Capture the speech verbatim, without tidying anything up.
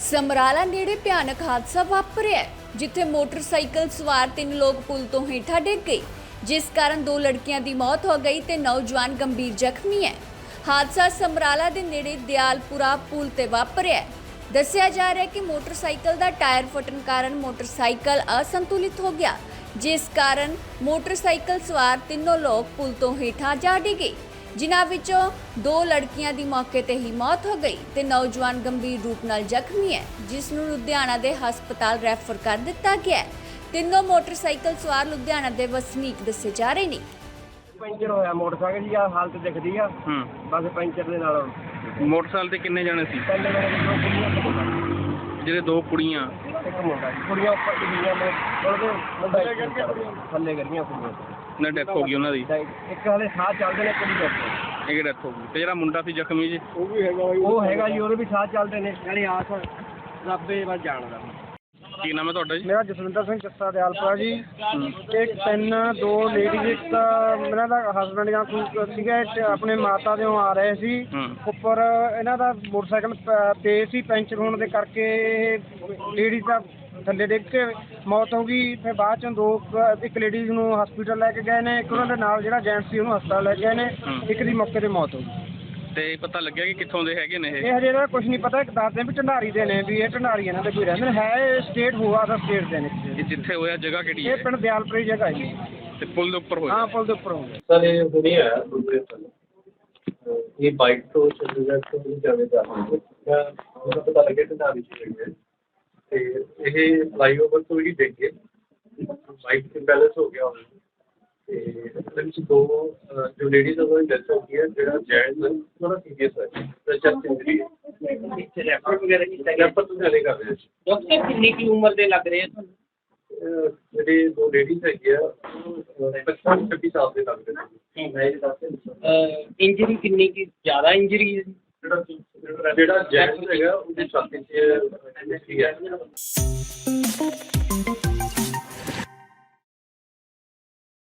ਸਮਰਾਲਾ ਨੇੜੇ ਭਿਆਨਕ ਹਾਦਸਾ ਵਾਪਰਿਆ ਜਿੱਥੇ ਮੋਟਰਸਾਈਕਲ ਸਵਾਰ ਤਿੰਨ ਲੋਕ ਪੁਲ ਤੋਂ ਹੇਠਾਂ ਡਿੱਗ ਗਏ, ਜਿਸ ਕਾਰਨ ਦੋ ਲੜਕੀਆਂ ਦੀ ਮੌਤ ਹੋ ਗਈ ਤੇ ਨੌਜਵਾਨ ਗੰਭੀਰ ਜ਼ਖਮੀ ਹੈ। ਹਾਦਸਾ ਸਮਰਾਲਾ ਦੇ ਨੇੜੇ ਦਿਆਲਪੁਰਾ ਪੁਲ ਤੇ ਵਾਪਰਿਆ। ਦੱਸਿਆ ਜਾ ਰਿਹਾ ਹੈ ਕਿ ਮੋਟਰਸਾਈਕਲ ਦਾ ਟਾਇਰ ਫਟਣ ਕਾਰਨ ਮੋਟਰਸਾਈਕਲ ਅਸੰਤੁਲਿਤ ਹੋ ਗਿਆ, ਜਿਸ ਕਾਰਨ ਮੋਟਰਸਾਈਕਲ ਸਵਾਰ ਤਿੰਨੋਂ ਲੋਕ ਪੁਲ ਤੋਂ ਹੇਠਾਂ ਜਾ ਡਿੱਗੇ, ਜਿਨ੍ਹਾਂ ਵਿੱਚੋਂ ਦੋ ਲੜਕੀਆਂ ਦੀ ਮੌਕੇ ਤੇ ਹੀ ਮੌਤ ਹੋ ਗਈ ਤੇ ਨੌਜਵਾਨ ਗੰਭੀਰ ਰੂਪ ਨਾਲ ਜ਼ਖਮੀ ਹੈ, ਜਿਸ ਨੂੰ ਲੁਧਿਆਣਾ ਦੇ ਹਸਪਤਾਲ ਰੈਫਰ ਕਰ ਦਿੱਤਾ ਗਿਆ ਹੈ। ਤਿੰਨੋਂ ਮੋਟਰਸਾਈਕਲ ਸਵਾਰ ਲੁਧਿਆਣਾ ਦੇ ਵਸਨੀਕ ਦੱਸੇ ਜਾ ਰਹੇ ਨੇ। ਪੈਂਚਰ ਹੋਇਆ ਮੋਟਰਸਾਈਕਲ ਦੀ ਆ ਹਾਲਤ ਦਿਖਦੀ ਆ। ਹੂੰ ਬਸ ਪੈਂਚਰ ਦੇ ਨਾਲ ਮੋਟਰਸਾਈਕਲ ਤੇ ਕਿੰਨੇ ਜਾਣੇ ਸੀ? ਪਹਿਲੇ ਮੇਰੇ ਦੋ ਕੁੜੀਆਂ ਤੇ ਮੁੰਡਾ। ਜਿਹੜੇ ਦੋ ਕੁੜੀਆਂ ਇੱਕ ਮੁੰਡਾ ਸੀ। ਕੁੜੀਆਂ ਉੱਪਰ ਡਿੱਗੀਆਂ ਨੇ, ਉਹਦੇ ਮੁੰਡਾ ਥੱਲੇ ਕਰੀਆਂ ਕੁੜੀਆਂ ਨਾ ਡੈਥ ਹੋ ਗਈ ਉਹਨਾਂ ਦੀ। ਇੱਕ ਹਾਲੇ ਸਾਹ ਚੱਲਦੇ ਨੇ, ਕੁੜੀ ਦੇ ਇੱਕ ਡੈਥ ਹੋ ਗਈ ਤੇ ਜਿਹੜਾ ਮੁੰਡਾ ਸੀ ਜ਼ਖਮੀ ਜੀ ਉਹ ਵੀ ਹੈਗਾ ਉਹ ਹੈਗਾ ਜੀ, ਉਹਦੇ ਵੀ ਸਾਹ ਚੱਲਦੇ ਨੇ। ਨਾਲੇ ਆਸ ਰੱਬੇ ਬਸ ਜਾਣਦਾ। ਕੀ ਨਾਮ ਹੈ ਤੁਹਾਡਾ ਜੀ? ਮੇਰਾ ਜਸਵਿੰਦਰ ਸਿੰਘ ਚੱਸਾ ਦਿਆਲਪੁਰਾ ਜੀ। ਇੱਕ ਤਿੰਨ ਦੋ ਲੇਡੀਜ਼, ਇੱਕ ਇਹਨਾਂ ਦਾ ਹਸਬੈਂਡ ਜਾਂ ਕੋਈ ਸੀਗਾ, ਆਪਣੇ ਮਾਤਾ ਦੇ ਆ ਰਹੇ ਸੀ। ਉੱਪਰ ਇਹਨਾਂ ਦਾ ਮੋਟਰਸਾਈਕਲ ਪੇ ਸੀ, ਪੈਂਚਰ ਹੋਣ ਦੇ ਕਰਕੇ ਲੇਡੀਜ਼ ਦਾ ਥੱਲੇ ਡਿੱਗ ਕੇ ਮੌਤ ਹੋ ਗਈ। ਫਿਰ ਬਾਅਦ ਚੋਂ ਦੋ ਇੱਕ ਲੇਡੀਜ਼ ਨੂੰ ਹਸਪੀਟਲ ਲੈ ਕੇ ਗਏ ਨੇ, ਇੱਕ ਉਹਨਾਂ ਦੇ ਨਾਲ ਜਿਹੜਾ ਜੈਂਟਸ ਸੀ ਉਹਨੂੰ ਹਸਪਤਾਲ ਲੈ ਕੇ ਗਏ ਨੇ। ਇੱਕ ਦੀ ਮੌਕੇ ਤੇ ਮੌਤ ਹੋ ਗਈ। ਤੇ ਪਤਾ ਲੱਗਿਆ ਕਿ ਕਿੱਥੋਂ ਦੇ ਹੈਗੇ ਨੇ ਇਹ? ਇਹ ਹਜੇ ਦਾ ਕੁਝ ਨਹੀਂ ਪਤਾ। ਇੱਕ ਦੱਸਦੇ ਵੀ ਢੰਡਾਰੀ ਦੇ ਨੇ, ਵੀ ਇਹ ਢੰਡਾਰੀ ਇਹਨਾਂ ਦੇ ਕੋਈ ਰਹਿੰਦੇ ਨੇ। ਹੈ ਸਟੇਟ ਹੋਆ ਦਾ ਸਟੇਟ ਦੇ ਨੇ। ਇਹ ਜਿੱਥੇ ਹੋਇਆ ਜਗ੍ਹਾ ਕਿਹੜੀ ਹੈ? ਇਹ ਪਿੰਡ ਦਿਆਲਪੁਰੀ ਜਗ੍ਹਾ ਜੀ। ਤੇ ਪੁਲ ਦੇ ਉੱਪਰ ਹੋਇਆ? ਹਾਂ, ਪੁਲ ਦੇ ਉੱਪਰ ਹੋਇਆ। ਸਰ ਇਹ ਹੁਣੇ ਆਇਆ ਦੂਸਰੇ ਸਾਲ। ਇਹ ਬਾਈਕ ਤੋਂ ਚੰਡੀਗੜ੍ਹ ਤੋਂ ਜਾਵੇ ਜਾ ਰਹੇ ਹੈ। ਮੈਨੂੰ ਪਤਾ ਲੱਗਿਆ ਕਿ ਨਾਰੀ ਚ ਹੋਈ ਹੈ ਤੇ ਇਹ ਫਲਾਈਓਵਰ ਤੋਂ ਹੀ ਡਿੱਗ ਗਏ। ਬਾਈਕ ਤੇ ਬੈਲੈਂਸ ਹੋ ਗਿਆ ਉਹਨਾਂ ਨੂੰ ਤੇ ਉਹਦੇ ਵਿੱਚ ਦੋ ਜੋ ਲੇਡੀਜ਼ ਉਹਨਾਂ ਦੀ ਡੈਥ ਹੋ ਗਈ ਹੈ। ਜਿਹੜਾ ਜੈਂਟਸ ਥੋੜਾ ਸੀਰੀਅਸ ਹੈ, ਚੈਸਟ ਇੰਜਰੀ ਹੈ। ਰੈਫਰ ਵਗੈਰਾ ਕੀਤਾ ਗਿਆ? ਰੈਫਰ ਤੋਂ ਜਾਣੇ ਕਰ ਰਹੇ ਸੀ। ਡਾਕਟਰ ਕਿੰਨੀ ਕੀ ਉਮਰ ਦੇ ਲੱਗ ਰਹੇ ਆ ਤੁਹਾਨੂੰ? ਜਿਹੜੇ ਦੋ ਲੇਡੀਜ਼ ਹੈਗੇ ਆ ਪਚਪਨ ਛੱਬੀ ਸਾਲ ਦੇ ਲੱਗਦੇ ਨੇ। ਇੰਜਰੀ ਕਿੰਨੀ ਕੀ ਜ਼ਿਆਦਾ ਇੰਜਰੀ ਹੈ? ਜਿਹੜਾ ਜਿਹੜਾ ਜੈਂਟਸ ਹੈਗਾ ਉਹਦੀ ਛਾਤੀ 'ਚ ਇੰਜਰੀ ਹੈ।